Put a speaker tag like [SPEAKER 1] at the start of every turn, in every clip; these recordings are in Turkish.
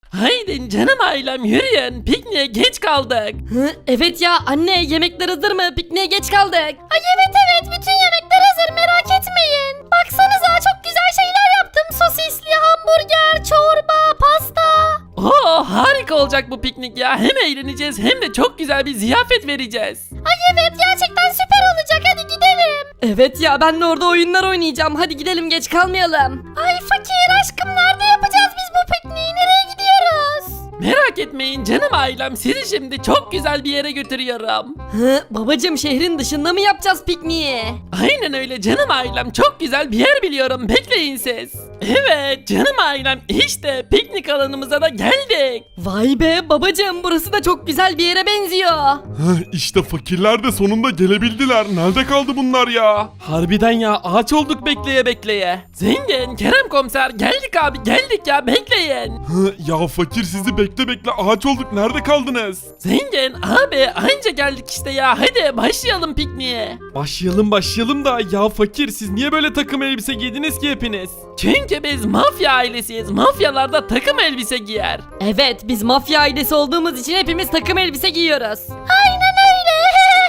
[SPEAKER 1] Haydi canım ailem yürüyün. Pikniğe geç kaldık.
[SPEAKER 2] Evet ya anne, yemekler hazır mı? Pikniğe geç kaldık.
[SPEAKER 3] Ay evet bütün yemekler hazır, merak etmeyin. Baksanıza çok güzel şeyler yaptım. Sosisli hamburger, çorba, pasta.
[SPEAKER 1] Oo, harika olacak bu piknik ya. Hem eğleneceğiz hem de çok güzel bir ziyafet vereceğiz.
[SPEAKER 3] Ay evet gerçekten süper olacak, hadi gidelim.
[SPEAKER 2] Evet ya, ben de orada oyunlar oynayacağım. Hadi gidelim, geç kalmayalım.
[SPEAKER 3] Ay fakir aşkım, nerede yapacağız biz bu pikniği, nereye gidiyoruz?
[SPEAKER 1] Merak etmeyin canım ailem, sizi şimdi çok güzel bir yere götürüyorum.
[SPEAKER 2] Babacım, şehrin dışında mı yapacağız pikniği?
[SPEAKER 1] Aynen öyle canım ailem, çok güzel bir yer biliyorum, bekleyin siz. Evet canım ailem, işte piknik alanımıza da geldik.
[SPEAKER 2] Vay be babacım, burası da çok güzel bir yere benziyor.
[SPEAKER 4] İşte fakirler de sonunda gelebildiler. Nerede kaldı bunlar ya?
[SPEAKER 1] Harbiden ya, ağaç olduk bekleye bekleye. Zengin, Kerem komiser, geldik abi geldik ya, bekleyin.
[SPEAKER 4] Ya fakir, sizi bekle ağaç olduk. Nerede kaldınız?
[SPEAKER 1] Zengin abi, anca geldik işte ya, hadi başlayalım pikniğe.
[SPEAKER 5] Başlayalım da ya fakir, siz niye böyle takım elbise giydiniz ki hepiniz?
[SPEAKER 1] Çünkü biz mafya ailesiyiz, mafyalar da takım elbise giyer.
[SPEAKER 2] Evet, biz mafya ailesi olduğumuz için hepimiz takım elbise giyiyoruz.
[SPEAKER 3] Aynen öyle.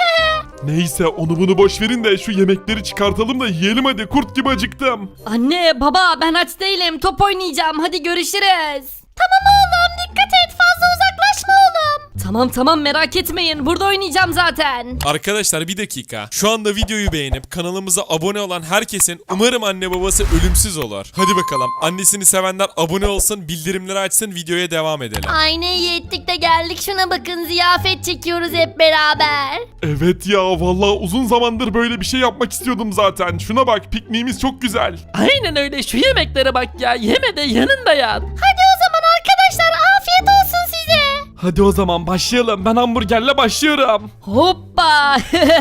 [SPEAKER 4] Neyse, onu bunu boş verin de şu yemekleri çıkartalım da yiyelim hadi. Kurt gibi acıktım.
[SPEAKER 2] Anne, baba, ben aç değilim, top oynayacağım, hadi görüşürüz.
[SPEAKER 3] Tamam oğlum, dikkat et, fazla uzaklaşma oğlum.
[SPEAKER 2] Tamam, merak etmeyin, burada oynayacağım zaten.
[SPEAKER 6] Arkadaşlar bir dakika. Şu anda videoyu beğenip kanalımıza abone olan herkesin umarım anne babası ölümsüz olur. Hadi bakalım. Annesini sevenler abone olsun, bildirimleri açsın, videoya devam edelim.
[SPEAKER 3] Ay ne iyi ettik de geldik, şuna bakın, ziyafet çekiyoruz hep beraber.
[SPEAKER 4] Evet ya, vallahi uzun zamandır böyle bir şey yapmak istiyordum zaten. Şuna bak, pikniğimiz çok güzel.
[SPEAKER 1] Aynen öyle, şu yemeklere bak ya, yeme de yanında yat.
[SPEAKER 3] Hadi o zaman arkadaşlar, afiyet olsun size.
[SPEAKER 5] Hadi o zaman başlayalım. Ben hamburgerle başlıyorum.
[SPEAKER 2] Hoppa!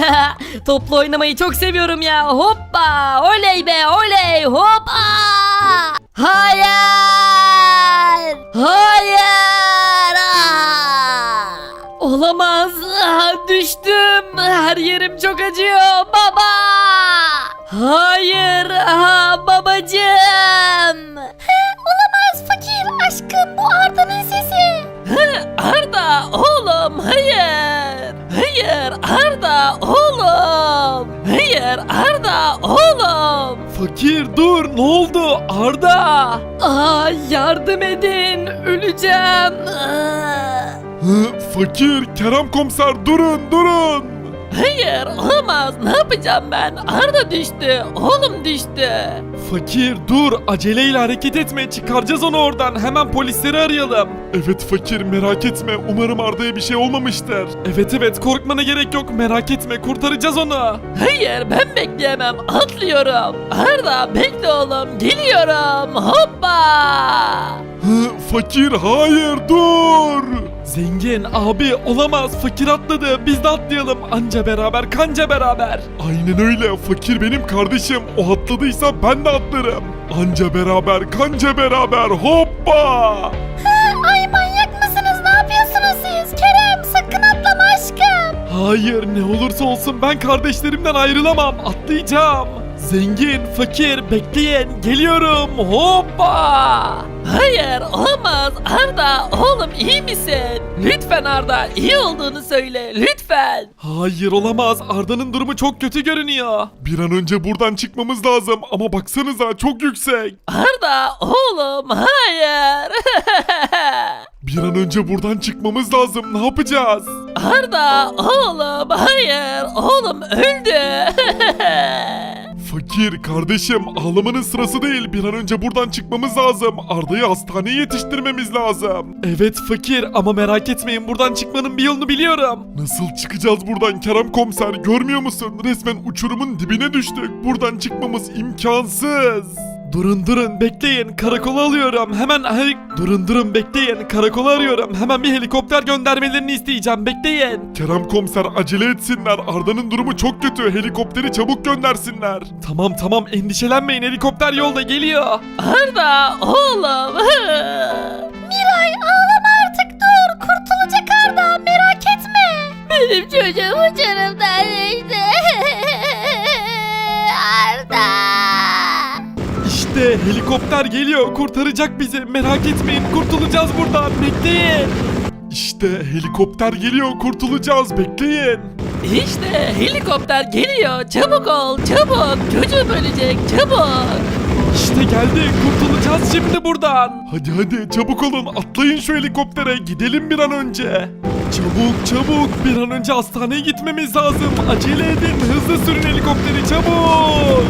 [SPEAKER 2] Toplu oynamayı çok seviyorum ya. Hoppa! Oley be, oley! Hoppa! Hayır! Hayır! Olamaz. Düştüm. Her yerim çok acıyor. Baba! Hayır! Babacığım!
[SPEAKER 3] Olamaz fakir, aşkım bu Arda'nın sesi.
[SPEAKER 1] Arda oğlum, hayır. Hayır Arda oğlum. Hayır Arda oğlum.
[SPEAKER 5] Fakir dur, ne oldu? Arda!
[SPEAKER 2] Yardım edin. Öleceğim.
[SPEAKER 4] Fakir, Kerem komiser, durun.
[SPEAKER 1] Hayır olamaz, ne yapacağım ben? Arda düştü, oğlum düştü.
[SPEAKER 5] Fakir dur, aceleyle hareket etme, çıkaracağız onu oradan. Hemen polisleri arayalım.
[SPEAKER 4] Evet fakir, merak etme. Umarım Arda'ya bir şey olmamıştır.
[SPEAKER 5] Evet, korkmana gerek yok, merak etme, kurtaracağız onu.
[SPEAKER 1] Hayır ben bekleyemem, atlıyorum. Arda bekle oğlum, geliyorum. Hoppa.
[SPEAKER 4] Fakir, hayır, dur.
[SPEAKER 5] Zengin abi, olamaz, fakir atladı, biz de atlayalım. Anca beraber kanca beraber.
[SPEAKER 4] Aynen öyle, fakir benim kardeşim. O atladıysa ben de atlarım. Anca beraber, kanca beraber, hoppa.
[SPEAKER 3] Ay manyak mısınız, ne yapıyorsunuz siz? Kerem sakın atlama aşkım.
[SPEAKER 5] Hayır, ne olursa olsun ben kardeşlerimden ayrılamam, atlayacağım. Zengin, fakir, bekleyin, geliyorum, hoppa.
[SPEAKER 1] Hayır olamaz, Arda oğlum iyi misin? Lütfen Arda, iyi olduğunu söyle lütfen.
[SPEAKER 5] Hayır olamaz, Arda'nın durumu çok kötü görünüyor.
[SPEAKER 4] Bir an önce buradan çıkmamız lazım ama baksanıza çok yüksek.
[SPEAKER 1] Arda oğlum hayır.
[SPEAKER 4] Bir an önce buradan çıkmamız lazım. Ne yapacağız?
[SPEAKER 1] Arda oğlum hayır, oğlum öldü.
[SPEAKER 4] Fakir kardeşim, ağlamanın sırası değil. Bir an önce buradan çıkmamız lazım. Arda'yı hastaneye yetiştirmemiz lazım.
[SPEAKER 5] Evet fakir, ama merak etmeyin, buradan çıkmanın bir yolunu biliyorum.
[SPEAKER 4] Nasıl çıkacağız buradan Kerem komiser? Görmüyor musun? Resmen uçurumun dibine düştük. Buradan çıkmamız imkansız.
[SPEAKER 5] Durun bekleyin, karakola alıyorum hemen. Durun bekleyin, karakola arıyorum, hemen bir helikopter göndermelerini isteyeceğim, bekleyin.
[SPEAKER 4] Kerem komiser acele etsinler. Arda'nın durumu çok kötü. Helikopteri çabuk göndersinler.
[SPEAKER 5] Tamam, endişelenmeyin, helikopter yolda geliyor.
[SPEAKER 1] Arda oğlum.
[SPEAKER 3] Miray ağlama artık, dur, kurtulacak Arda, merak etme. Benim çocuğum uçurumdan düştü. Arda.
[SPEAKER 5] İşte helikopter Helikopter geliyor, kurtaracak bizi. Merak etmeyin, kurtulacağız buradan. Bekleyin.
[SPEAKER 4] İşte helikopter geliyor, kurtulacağız, bekleyin.
[SPEAKER 1] İşte helikopter geliyor. Çabuk ol, çabuk. Çocuğum ölecek, çabuk.
[SPEAKER 5] İşte geldi, kurtulacağız şimdi buradan.
[SPEAKER 4] Hadi hadi çabuk olun, atlayın şu helikoptere, gidelim bir an önce.
[SPEAKER 5] Çabuk çabuk, bir an önce hastaneye gitmemiz lazım. Acele edin, hızlı sürün helikopteri, çabuk.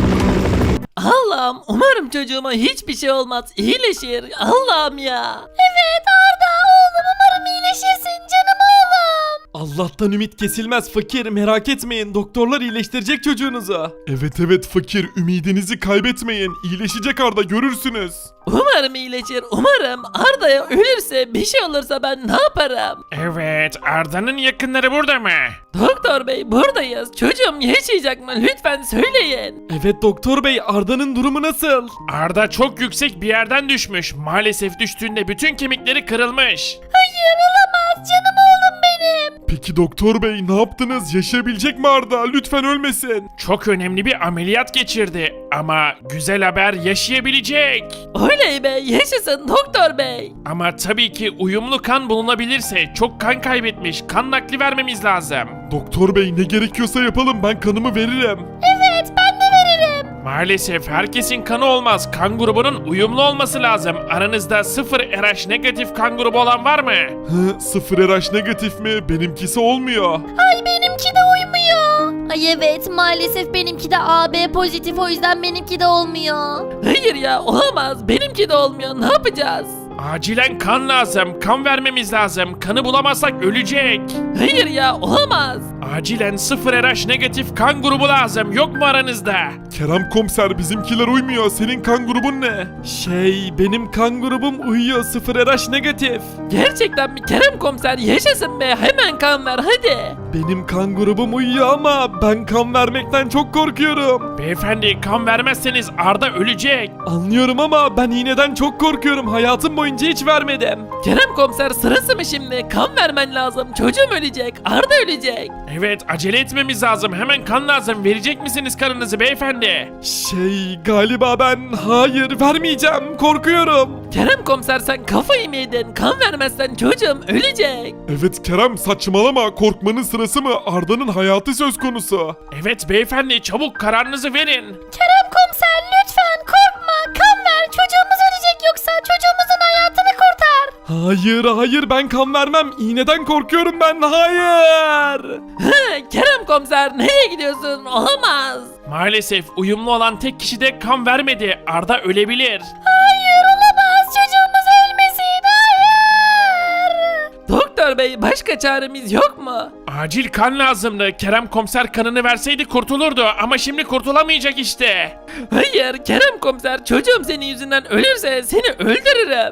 [SPEAKER 1] Allah'ım umarım çocuğuma hiçbir şey olmaz. İyileşir. Allah'ım ya.
[SPEAKER 3] Evet Arda oğlum umarım iyileşirsin canım oğlum.
[SPEAKER 5] Allah'tan ümit kesilmez fakir, merak etmeyin, doktorlar iyileştirecek çocuğunuzu.
[SPEAKER 4] Evet fakir, ümidinizi kaybetmeyin, iyileşecek Arda, görürsünüz.
[SPEAKER 1] Umarım iyileşir. Umarım Arda'ya ölürse bir şey olursa ben ne yaparım?
[SPEAKER 7] Evet, Arda'nın yakınları burada mı?
[SPEAKER 1] Doktor bey buradayız. Çocuğum yaşayacak mı? Lütfen söyleyin.
[SPEAKER 5] Evet doktor bey, Arda'nın durumu nasıl?
[SPEAKER 7] Arda çok yüksek bir yerden düşmüş. Maalesef düştüğünde bütün kemikleri kırılmış.
[SPEAKER 3] Hayır olamaz canım oğlum benim.
[SPEAKER 4] Peki doktor bey ne yaptınız, yaşayabilecek mi Arda, lütfen ölmesin.
[SPEAKER 7] Çok önemli bir ameliyat geçirdi ama güzel haber, yaşayabilecek.
[SPEAKER 1] Oley be yaşasın doktor bey.
[SPEAKER 7] Ama tabii ki uyumlu kan bulunabilirse, çok kan kaybetmiş, kan nakli vermemiz lazım.
[SPEAKER 4] Doktor bey ne gerekiyorsa yapalım, ben kanımı veririm.
[SPEAKER 3] Evet ben de veririm.
[SPEAKER 7] Maalesef herkesin kanı olmaz. Kan grubunun uyumlu olması lazım. Aranızda 0 RH negatif kan grubu olan var mı?
[SPEAKER 4] Hı, 0 RH negatif mi? Benimkisi olmuyor.
[SPEAKER 3] Ay benimki de uymuyor. Ay evet maalesef benimki de AB pozitif o yüzden benimki de olmuyor.
[SPEAKER 1] Hayır ya olamaz. Benimki de olmuyor. Ne yapacağız?
[SPEAKER 7] Acilen kan lazım. Kan vermemiz lazım. Kanı bulamazsak ölecek.
[SPEAKER 1] Hayır ya olamaz.
[SPEAKER 7] Acilen 0 RH negatif kan grubu lazım. Yok mu aranızda?
[SPEAKER 4] Kerem komiser, bizimkiler uymuyor, senin kan grubun ne?
[SPEAKER 5] Benim kan grubum uyuyor, 0 RH negatif.
[SPEAKER 1] Gerçekten mi Kerem komiser yaşasın be. Hemen kan ver hadi.
[SPEAKER 5] Benim kan grubum uyuyor ama ben kan vermekten çok korkuyorum.
[SPEAKER 7] Beyefendi, kan vermezseniz Arda ölecek.
[SPEAKER 5] Anlıyorum ama ben iğneden çok korkuyorum. Hayatım boyunca hiç vermedim.
[SPEAKER 1] Kerem komiser sırası mı şimdi? Kan vermen lazım. Çocuğum ölecek. Arda ölecek.
[SPEAKER 7] Evet, acele etmemiz lazım. Hemen kan lazım. Verecek misiniz kanınızı beyefendi?
[SPEAKER 5] Galiba ben hayır vermeyeceğim. Korkuyorum.
[SPEAKER 1] Kerem komiser sen kafayı mı yedin? Kan vermezsen çocuğum ölecek.
[SPEAKER 4] Evet Kerem, saçmalama, korkmanın sırası mı? Arda'nın hayatı söz konusu.
[SPEAKER 7] Evet beyefendi, çabuk kararınızı verin.
[SPEAKER 3] Kerem komiser lütfen korkma kan ver çocuğumuz ölecek yoksa çocuğumuzun hayatını kurtar.
[SPEAKER 5] Hayır ben kan vermem. İğneden korkuyorum ben. Hayır.
[SPEAKER 1] Kerem komiser nereye gidiyorsun? Olamaz.
[SPEAKER 7] Maalesef uyumlu olan tek kişi de kan vermedi. Arda ölebilir.
[SPEAKER 3] Hayır olamaz çocuğumuz ölmesin hayır.
[SPEAKER 1] Doktor bey başka çaremiz yok mu?
[SPEAKER 7] Acil kan lazımdı. Kerem komiser kanını verseydi kurtulurdu ama şimdi kurtulamayacak işte.
[SPEAKER 1] Hayır Kerem komiser çocuğum senin yüzünden ölürse seni öldürürüm.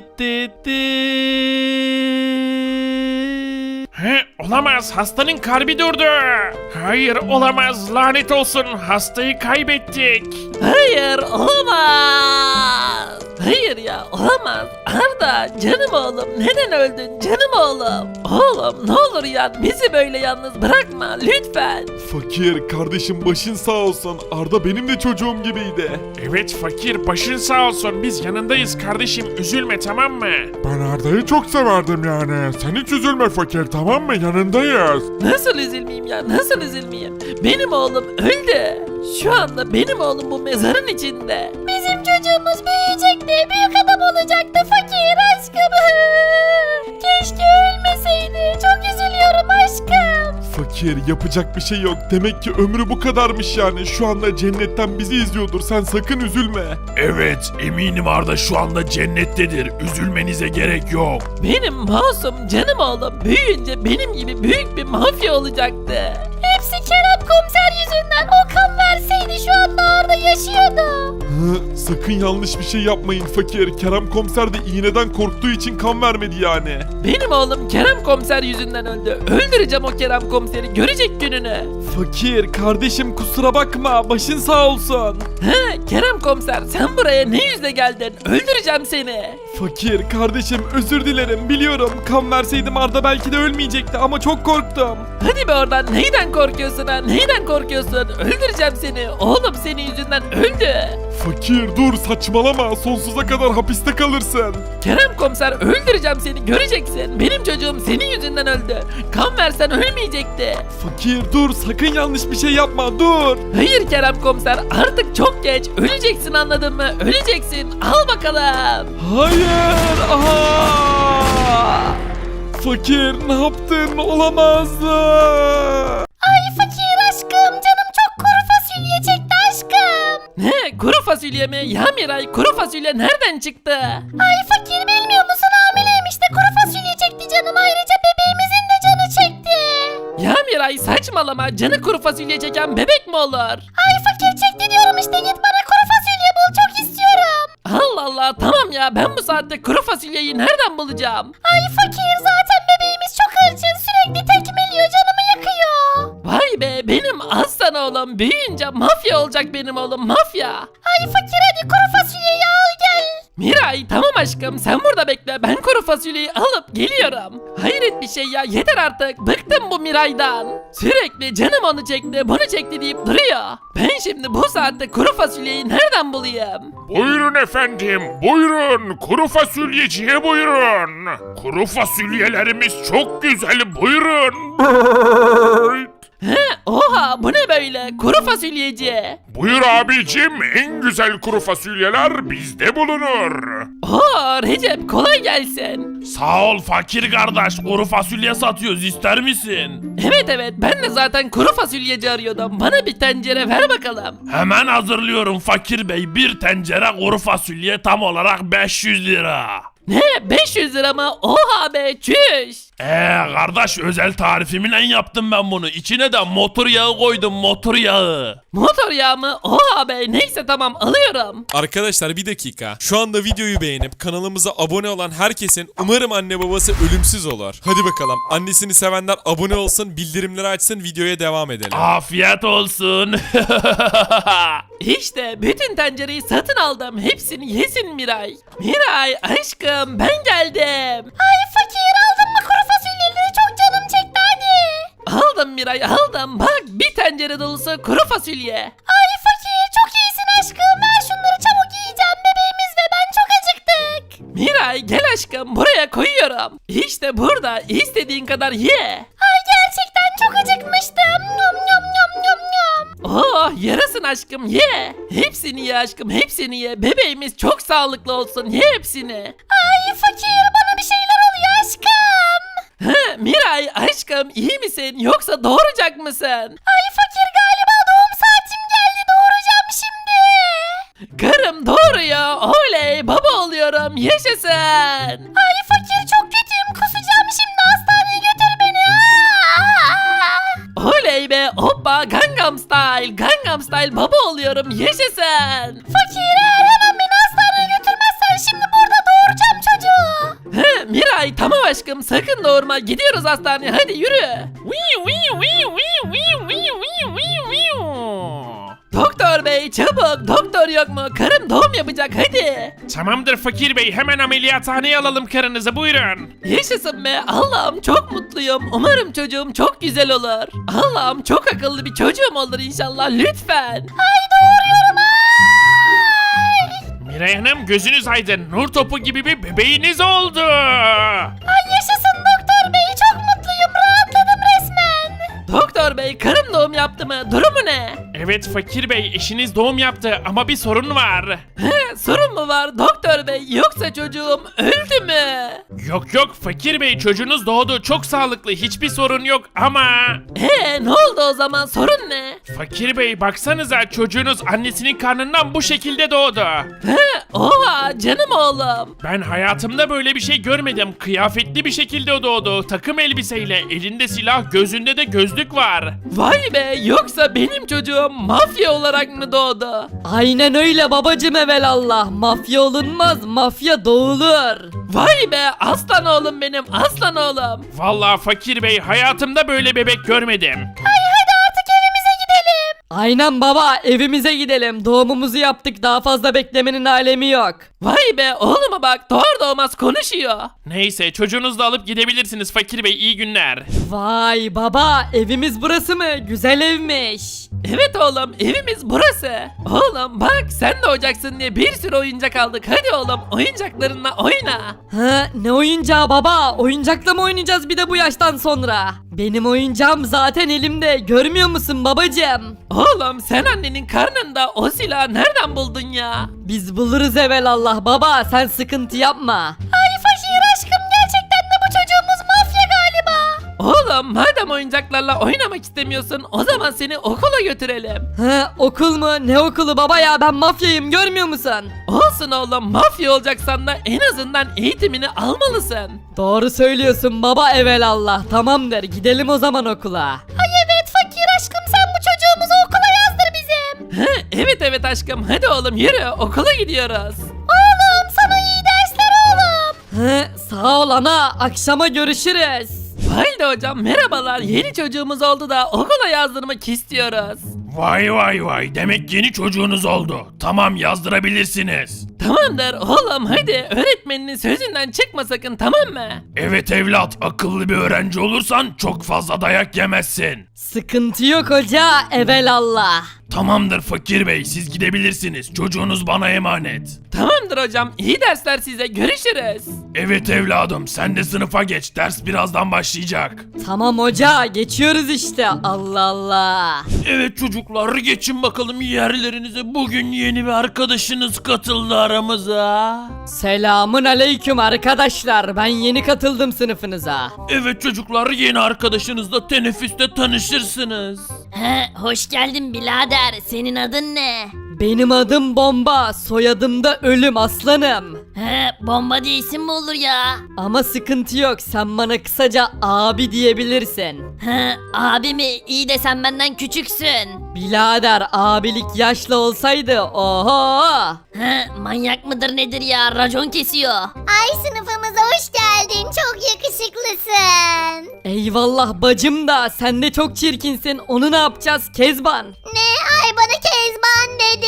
[SPEAKER 7] Olamaz, hastanın kalbi durdu. Hayır, olamaz, lanet olsun, hastayı kaybettik.
[SPEAKER 1] Hayır olamaz. Hayır ya olamaz. Arda canım oğlum neden öldün canım oğlum? Oğlum ne olur ya bizi böyle yalnız bırakma lütfen.
[SPEAKER 4] Fakir kardeşim, başın sağ olsun, Arda benim de çocuğum gibiydi.
[SPEAKER 7] Evet fakir, başın sağ olsun, biz yanındayız kardeşim, üzülme tamam mı?
[SPEAKER 4] Ben Arda'yı çok severdim yani. Sen hiç üzülme fakir, tamam mı? Yanındayız.
[SPEAKER 1] Nasıl üzülmeyeyim ya nasıl üzülmeyeyim? Benim oğlum öldü. Şu anda benim oğlum bu mezarın içinde.
[SPEAKER 3] Bizim çocuğumuz büyüyecekti büyük adam olacaktı fakir aşkım. Keşke ölmeseydi çok üzülüyorum aşkım.
[SPEAKER 4] Fakir, yapacak bir şey yok. Demek ki ömrü bu kadarmış yani. Şu anda cennetten bizi izliyordur. Sen sakın üzülme.
[SPEAKER 8] Evet, eminim Arda şu anda cennettedir. Üzülmenize gerek yok.
[SPEAKER 1] Benim masum canım oğlum büyüyünce benim gibi büyük bir mafya olacaktı.
[SPEAKER 3] Hepsi Kerem komiser yüzünden o kan verseydi şu anda Arda yaşıyordu.
[SPEAKER 4] Sakın yanlış bir şey yapmayın fakir. Kerem komiser de iğneden korktuğu için kan vermedi yani.
[SPEAKER 1] Benim oğlum Kerem komiser yüzünden öldü. Öldüreceğim o Kerem komiseri görecek gününü.
[SPEAKER 5] Fakir kardeşim, kusura bakma. Başın sağ olsun.
[SPEAKER 1] Kerem komiser sen buraya ne yüzle geldin? Öldüreceğim seni.
[SPEAKER 5] Fakir kardeşim, özür dilerim. Biliyorum kan verseydim Arda belki de ölmeyecekti ama çok korktum.
[SPEAKER 1] Hadi be oradan neyden korkuyorsun ha? Neyden korkuyorsun? Öldüreceğim seni. Oğlum senin yüzünden öldü.
[SPEAKER 4] Fakir dur saçmalama sonsuza kadar hapiste kalırsın.
[SPEAKER 1] Kerem komiser öldüreceğim seni göreceksin. Benim çocuğum senin yüzünden öldü. Kan versen ölmeyecekti.
[SPEAKER 5] Fakir dur sakın yanlış bir şey yapma dur.
[SPEAKER 1] Hayır Kerem komiser artık çok geç. Öleceksin anladın mı? Öleceksin. Al bakalım.
[SPEAKER 5] Hayır. Aha! Fakir ne yaptın? Olamaz.
[SPEAKER 3] Ay fakir aşkım canım çok kuru fasulye çekti aşkım.
[SPEAKER 1] Ne? Kuru fasulye mi? Ya Miray kuru fasulye nereden çıktı?
[SPEAKER 3] Ay fakir bilmiyor musun hamileymiş de kuru fasulye çekti canım ayrıca bebeğimizin de canı çekti.
[SPEAKER 1] Ya Miray saçmalama. Canı kuru fasulye çeken bebek mi olur?
[SPEAKER 3] Ay fakir çekti diyorum işte git bana kuru fasulye bul çok istiyorum.
[SPEAKER 1] Allah Allah tamam ya ben bu saatte kuru fasulyeyi nereden bulacağım?
[SPEAKER 3] Ay fakir zaten bebeğimiz çok hırçın sürekli tekmeliyor canımı yakıyor.
[SPEAKER 1] Vay be benim aslan oğlum büyüyünce mafya olacak benim oğlum mafya.
[SPEAKER 3] Ay fakir hadi kuru fasulyeyi al gel.
[SPEAKER 1] Miray tamam aşkım sen burada bekle ben kuru fasulyeyi alıp geliyorum. Hayret bir şey ya yeter artık bıktım bu Miray'dan. Sürekli canım onu çekti bunu çekti deyip duruyor. Ben şimdi bu saatte kuru fasulyeyi nereden bulayım?
[SPEAKER 8] Buyurun efendim, buyurun. Kuru fasulyeciye buyurun. Kuru fasulyelerimiz çok güzel, buyurun.
[SPEAKER 1] He oha bu ne böyle kuru fasulyeci.
[SPEAKER 8] Buyur abicim, en güzel kuru fasulyeler bizde bulunur.
[SPEAKER 1] Oo Recep kolay gelsin.
[SPEAKER 8] Sağ ol fakir kardeş, kuru fasulye satıyoruz, ister misin?
[SPEAKER 1] Evet ben de zaten kuru fasulyeci arıyordum. Bana bir tencere ver bakalım.
[SPEAKER 8] Hemen hazırlıyorum fakir bey, bir tencere kuru fasulye tam olarak 500 lira.
[SPEAKER 1] Ne 500 lira mı? Oha be çüş.
[SPEAKER 8] Kardeş özel tarifimle yaptım ben bunu. İçine de motor yağı koydum, motor yağı.
[SPEAKER 1] Motor yağı mı? Oha be neyse tamam alıyorum.
[SPEAKER 6] Arkadaşlar bir dakika. Şu anda videoyu beğenip kanalımıza abone olan herkesin umarım anne babası ölümsüz olur. Hadi bakalım. Annesini sevenler abone olsun, bildirimleri açsın, videoya devam edelim.
[SPEAKER 8] Afiyet olsun.
[SPEAKER 1] İşte bütün tencereyi satın aldım. Hepsini yesin Miray. Miray aşkım ben geldim.
[SPEAKER 3] Ay fakir aldın mı kuru fasulyeleri çok canım çekti hadi.
[SPEAKER 1] Aldım Miray aldım. Bak bir tencere dolusu kuru fasulye.
[SPEAKER 3] Ay fakir çok iyisin aşkım ver şunları çabuk yiyeceğim bebeğimiz ve ben çok acıktık.
[SPEAKER 1] Miray gel aşkım buraya koyuyorum. İşte burada istediğin kadar ye.
[SPEAKER 3] Ay gerçekten çok acıkmıştım. Yum yum yum yum yum.
[SPEAKER 1] Oh yarasın aşkım ye. Hepsini ye aşkım hepsini ye. Bebeğimiz çok sağlıklı olsun ye hepsini.
[SPEAKER 3] Ay fakir bana bir şeyler oluyor aşkım.
[SPEAKER 1] Ha, Miray aşkım iyi misin yoksa doğuracak mısın?
[SPEAKER 3] Ay fakir galiba doğum saatim geldi doğuracağım şimdi.
[SPEAKER 1] Karım doğuruyor oley baba oluyorum yaşasın.
[SPEAKER 3] Ay fakir çok kötüyüm kusacağım şimdi hastaneye götür beni.
[SPEAKER 1] Oley be hoppa Gangnam Style baba oluyorum yaşasın.
[SPEAKER 3] Fakir eğer hemen beni hastaneye götürmezsen şimdi burada doğuracağım çocuğu.
[SPEAKER 1] He, Miray tamam aşkım sakın doğurma gidiyoruz hastaneye hadi yürü. Doktor bey çabuk doktor yok mu karım doğum yapacak hadi.
[SPEAKER 7] Tamamdır fakir bey, hemen ameliyathaneye alalım karınızı, buyurun.
[SPEAKER 1] Yaşasın be Allah'ım çok mutluyum umarım çocuğum çok güzel olur. Allah'ım çok akıllı bir çocuğum olur inşallah lütfen.
[SPEAKER 7] Miray Hanım gözünüz aydın, nur topu gibi bir bebeğiniz oldu.
[SPEAKER 3] Ay yaşasın doktor bey çok mutluyum rahatladım resmen.
[SPEAKER 1] Doktor bey karım doğum yaptı mı durumu ne?
[SPEAKER 7] Evet fakir bey, eşiniz doğum yaptı ama bir sorun var.
[SPEAKER 1] He, sorun mu var doktor bey yoksa çocuğum öldü mü?
[SPEAKER 7] Yok fakir bey, çocuğunuz doğdu, çok sağlıklı, hiçbir sorun yok ama...
[SPEAKER 1] Ne oldu o zaman sorun ne?
[SPEAKER 7] Fakir bey baksanıza, çocuğunuz annesinin karnından bu şekilde doğdu.
[SPEAKER 1] He, oha canım oğlum.
[SPEAKER 7] Ben hayatımda böyle bir şey görmedim. Kıyafetli bir şekilde doğdu. Takım elbiseyle, elinde silah, gözünde de gözlük var.
[SPEAKER 1] Vay be yoksa benim çocuğum mafya olarak mı doğdu?
[SPEAKER 2] Aynen öyle babacım evelallah. Mafya olunmaz, mafya doğulur.
[SPEAKER 1] Vay be aslan oğlum benim aslan oğlum.
[SPEAKER 7] Vallahi fakir bey, hayatımda böyle bebek görmedim.
[SPEAKER 3] Ay hadi artık evimize gidelim.
[SPEAKER 2] Aynen baba, evimize gidelim. Doğumumuzu yaptık, daha fazla beklemenin alemi yok.
[SPEAKER 1] Vay be oğluma bak doğar doğmaz konuşuyor.
[SPEAKER 7] Neyse çocuğunuzu da alıp gidebilirsiniz Fakir Bey, iyi günler.
[SPEAKER 2] Vay baba, evimiz burası mı? Güzel evmiş.
[SPEAKER 1] Evet oğlum evimiz burası. Oğlum bak sen de oyuncaksın diye bir sürü oyuncak aldık. Hadi oğlum oyuncaklarınla oyna.
[SPEAKER 2] Ha, ne oyuncağı baba? Oyuncakla mı oynayacağız bir de bu yaştan sonra? Benim oyuncağım zaten elimde, görmüyor musun babacığım?
[SPEAKER 1] Oğlum sen annenin karnında o silahı nereden buldun ya?
[SPEAKER 2] Biz buluruz evelallah baba, sen sıkıntı yapma.
[SPEAKER 3] Ay fakir aşkım, gerçekten de bu çocuğumuz mafya galiba.
[SPEAKER 1] Oğlum madem oyuncaklarla oynamak istemiyorsun o zaman seni okula götürelim.
[SPEAKER 2] Ha, okul mu? Ne okulu baba ya, ben mafyayım, görmüyor musun?
[SPEAKER 1] Olsun oğlum mafya olacaksan da en azından eğitimini almalısın.
[SPEAKER 2] Doğru söylüyorsun baba evelallah, tamamdır gidelim o zaman okula.
[SPEAKER 3] Ay evet fakir aşkım, sen bu çocuğumuzu okula yazdır bizim.
[SPEAKER 1] Evet aşkım hadi oğlum yürü okula gidiyoruz.
[SPEAKER 3] Oğlum sana iyi dersler oğlum.
[SPEAKER 2] Ha, sağ ol ana, akşama görüşürüz.
[SPEAKER 1] Valide hocam merhabalar yeni çocuğumuz oldu da okula yazdırmak istiyoruz.
[SPEAKER 8] Vay vay vay, demek yeni çocuğunuz oldu. Tamam, yazdırabilirsiniz.
[SPEAKER 1] Tamamdır oğlum hadi öğretmeninin sözünden çıkma sakın tamam mı?
[SPEAKER 8] Evet evlat, akıllı bir öğrenci olursan çok fazla dayak yemezsin.
[SPEAKER 2] Sıkıntı yok hoca evelallah.
[SPEAKER 8] Tamamdır Fakir Bey, siz gidebilirsiniz. Çocuğunuz bana emanet.
[SPEAKER 1] Tamamdır hocam iyi dersler size görüşürüz.
[SPEAKER 8] Evet evladım, sen de sınıfa geç. Ders birazdan başlayacak.
[SPEAKER 2] Tamam hoca, geçiyoruz işte, Allah Allah.
[SPEAKER 8] Evet çocuklar, geçin bakalım yerlerinize. Bugün yeni bir arkadaşınız katıldı aramıza.
[SPEAKER 2] Selamun aleyküm arkadaşlar, ben yeni katıldım sınıfınıza.
[SPEAKER 8] Evet çocuklar, yeni arkadaşınızla teneffüste tanışırsınız.
[SPEAKER 3] He, hoş geldin birader, senin adın ne?
[SPEAKER 2] Benim adım Bomba, soyadım da Ölüm aslanım.
[SPEAKER 3] He, bomba diye isim mi olur ya?
[SPEAKER 2] Ama sıkıntı yok, sen bana kısaca abi diyebilirsin.
[SPEAKER 3] He, abi mi? İyi de sen benden küçüksün.
[SPEAKER 2] Birader, abilik yaşlı olsaydı oho.
[SPEAKER 3] He, manyak mıdır nedir ya? Racon kesiyor. Ay sınıfımıza hoş geldin. Çok yakışıklısın.
[SPEAKER 2] Eyvallah bacım da, sen de çok çirkinsin, onu ne yapacağız Kezban?
[SPEAKER 3] Ne? Ay bana Kezban dedi.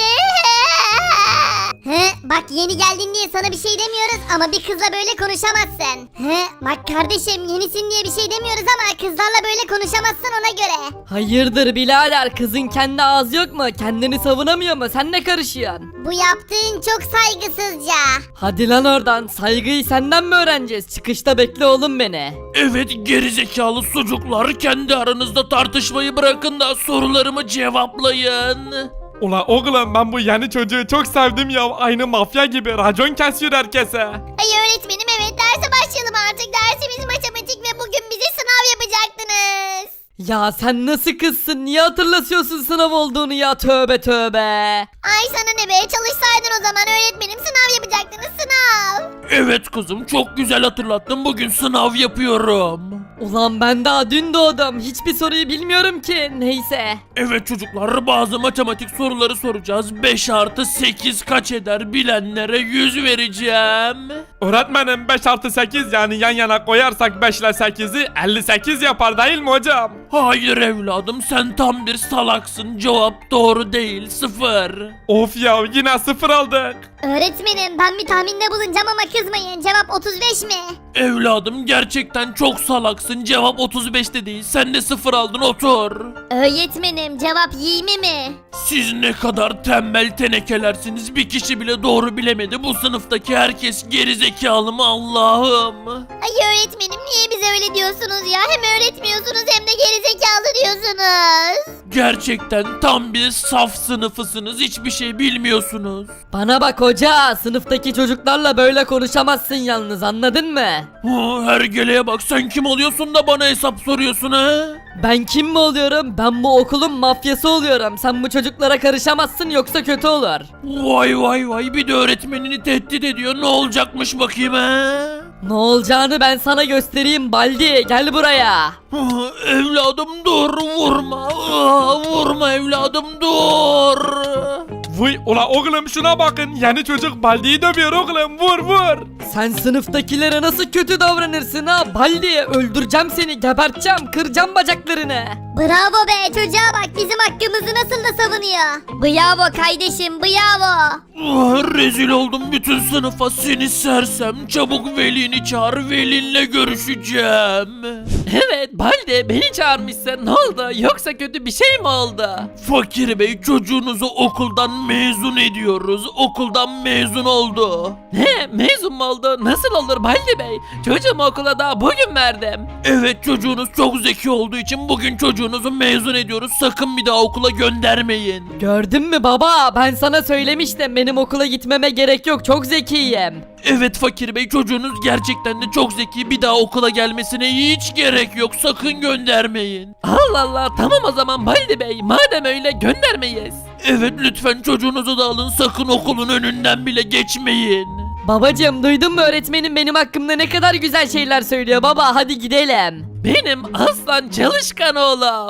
[SPEAKER 3] Bak yeni geldin diye sana bir şey demiyoruz ama bir kızla böyle konuşamazsın. Bak kardeşim yenisin diye bir şey demiyoruz ama kızlarla böyle konuşamazsın ona göre.
[SPEAKER 2] Hayırdır birader, kızın kendi ağzı yok mu? Kendini savunamıyor mu? Sen ne karışıyorsun?
[SPEAKER 3] Bu yaptığın çok saygısızca.
[SPEAKER 2] Hadi lan oradan, saygıyı senden mi öğreneceğiz? Çıkışta bekle oğlum beni.
[SPEAKER 8] Evet gerizekalı çocuklar, kendi aranızda tartışmayı bırakın da sorularımı cevaplayın.
[SPEAKER 5] Ula oğlum, ben bu yeni çocuğu çok sevdim ya, aynı mafya gibi racon kesiyor herkese.
[SPEAKER 3] Ay öğretmenim evet derse başlayalım artık. Dersimiz matematik ve bugün bize sınav yapacaktınız.
[SPEAKER 2] Ya sen nasıl kızsın? Niye hatırlatıyorsun sınav olduğunu ya? Tövbe tövbe.
[SPEAKER 3] Ay sana ne be, çalışsaydın o zaman öğretmenim, sınav yapacaktınız sınav.
[SPEAKER 8] Evet kızım, çok güzel hatırlattın, bugün sınav yapıyorum.
[SPEAKER 2] Ulan ben daha dün doğdum. Hiçbir soruyu bilmiyorum ki. Neyse.
[SPEAKER 8] Evet çocuklar, bazı matematik soruları soracağız. 5 artı 8 kaç eder, bilenlere 100 vereceğim.
[SPEAKER 5] Öğretmenim 5 artı 8 yani yan yana koyarsak 5 ile 8'i 58 yapar değil mi hocam?
[SPEAKER 8] Hayır evladım, sen tam bir salaksın, cevap doğru değil, 0.
[SPEAKER 5] Of ya, yine 0 aldık.
[SPEAKER 3] Öğretmenim ben bir tahminde bulunacağım ama kızmayın, cevap 35 mi?
[SPEAKER 8] Evladım gerçekten çok salaksın, cevap 35 de değil, sen de 0 aldın, otur.
[SPEAKER 3] Öğretmenim cevap 20 mi?
[SPEAKER 8] Siz ne kadar tembel tenekelersiniz, bir kişi bile doğru bilemedi, bu sınıftaki herkes gerizekalı mı Allah'ım?
[SPEAKER 3] Ay öğretmenim niye bize öyle diyorsunuz ya? Hem öğretmiyorsunuz hem de gerizekalı diyorsunuz.
[SPEAKER 8] Gerçekten tam bir saf sınıfısınız, hiçbir şey bilmiyorsunuz.
[SPEAKER 2] Bana bak hoca. Sınıftaki çocuklarla böyle konuşamazsın yalnız, anladın mı?
[SPEAKER 8] Hergeleye bak, sen kim oluyorsun da bana hesap soruyorsun ha?
[SPEAKER 2] Ben kim mi oluyorum? Ben bu okulun mafyası oluyorum. Sen bu çocuklara karışamazsın yoksa kötü olur.
[SPEAKER 8] Vay vay vay, bir de öğretmenini tehdit ediyor, ne olacakmış bakayım ha?
[SPEAKER 2] Ne olacağını ben sana göstereyim Baldi. Gel buraya.
[SPEAKER 8] Evladım dur, vurma. Vurma evladım, dur.
[SPEAKER 5] Vıy ula oğlum şuna bakın yeni çocuk Baldi'yi dövüyor oğlum vur vur.
[SPEAKER 2] Sen sınıftakilere nasıl kötü davranırsın ha? Baldi öldüreceğim seni, geberteceğim, kıracağım bacaklarını.
[SPEAKER 3] Bravo be çocuğa bak bizim hakkımızı nasıl da savunuyor. Bravo kardeşim bravo.
[SPEAKER 8] Rezil oldum bütün sınıfa seni sersem. Çabuk velini çağır velinle görüşeceğim.
[SPEAKER 1] Evet Baldi beni çağırmışsın. Ne oldu? Yoksa kötü bir şey mi oldu?
[SPEAKER 8] Fakir bey çocuğunuzu okuldan mezun ediyoruz. Okuldan mezun oldu.
[SPEAKER 1] Ne? Mezun mu oldu? Nasıl olur Baldi Bey? Çocuğumu okula daha bugün verdim.
[SPEAKER 8] Evet çocuğunuz çok zeki olduğu için bugün çocuğunuzu mezun ediyoruz. Sakın bir daha okula göndermeyin.
[SPEAKER 2] Gördün mü baba? Ben sana söylemiştim, benim okula gitmeme gerek yok, çok zekiyim.
[SPEAKER 8] Evet fakir bey çocuğunuz gerçekten de çok zeki. Bir daha okula gelmesine hiç gerek yok. Sakın göndermeyin.
[SPEAKER 1] Allah Allah tamam o zaman Baldi Bey. Madem öyle göndermeyiz.
[SPEAKER 8] Evet lütfen çocuğunuzu da alın. Sakın okulun önünden bile geçmeyin.
[SPEAKER 2] Babacım duydun mu, öğretmenim benim hakkımda ne kadar güzel şeyler söylüyor baba, hadi gidelim.
[SPEAKER 1] Benim aslan çalışkan oğlum.